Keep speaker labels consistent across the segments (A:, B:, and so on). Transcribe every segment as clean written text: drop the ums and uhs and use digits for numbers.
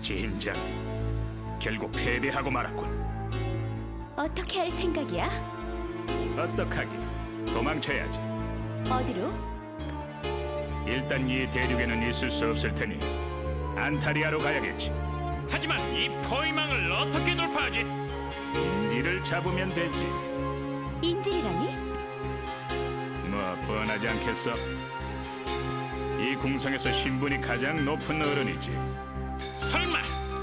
A: 진작 결국 패배하고 말았군.
B: 어떻게 할 생각이야?
A: 어떡하긴, 도망쳐야지.
B: 어디로?
A: 일단 이 대륙에는 있을 수 없을 테니 안타리아로 가야겠지.
C: 하지만 이 포위망을 어떻게 돌파하지?
A: 인디를 잡으면 되지.
B: 인질이라니?
A: 뭐 뻔하지 않겠어? 이 궁성에서 신분이 가장 높은 어른이지.
C: 설마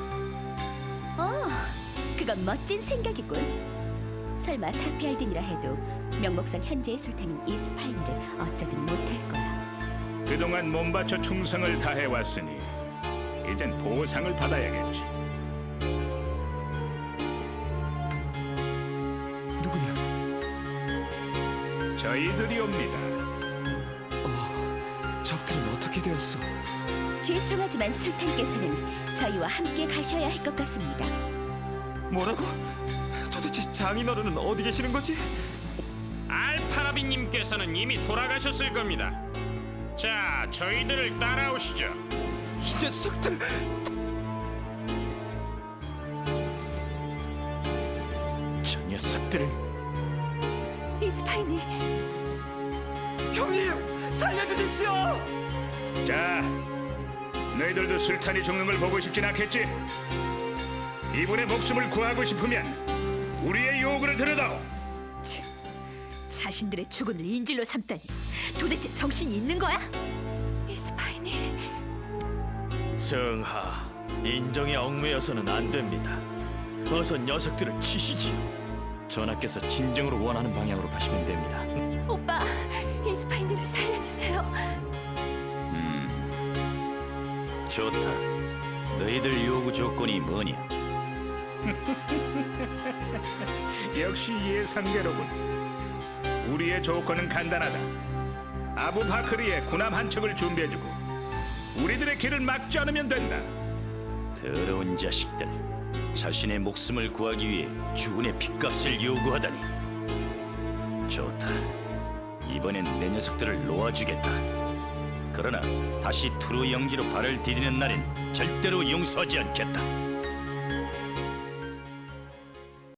B: 그건 멋진 생각이군. 설마 사피알딘이라 해도 명목상 현재의 술탄인 이스파이니를 어쩌든 못할 거야.
A: 그동안 몸바쳐 충성을 다해왔으니 이젠 보상을 받아야겠지.
D: 누구냐?
A: 저희들이 옵니다.
D: 적들은 어떻게 되었어?
B: 죄송하지만 술탄께서는 저희와 함께 가셔야 할 것 같습니다.
D: 뭐라고? 도대체 장인어른은 어디 계시는 거지?
C: 알파라비님께서는 이미 돌아가셨을 겁니다. 자, 저희들을 따라오시죠.
D: 이 녀석들!
A: 저 녀석들을
B: 이스파이니,
D: 형님! 살려주십시오!
A: 자, 너희들도 술탄이 죽는 걸 보고 싶진 않겠지? 이분의 목숨을 구하고 싶으면 우리의 요구를 들어다오.
B: 자신들의 죽음을 인질로 삼다니 도대체 정신이 있는 거야? 이스파이니,
E: 성하, 인정에 얽매여서는 안 됩니다. 어서 녀석들을 치시지요. 전하께서 진정으로 원하는 방향으로 가시면 됩니다.
B: 오빠, 이스파이니를 살려주세요.
E: 좋다. 너희들 요구 조건이 뭐냐?
A: 역시 예상대로군. 우리의 조건은 간단하다. 아부바크리의 군함 한 척을 준비해주고 우리들의 길을 막지 않으면 된다.
E: 더러운 자식들. 자신의 목숨을 구하기 위해 주군의 핏값을 요구하다니. 좋다. 이번엔 내 녀석들을 놓아주겠다. 그러나 다시 투르 영지로 발을 디디는 날엔 절대로 용서하지 않겠다.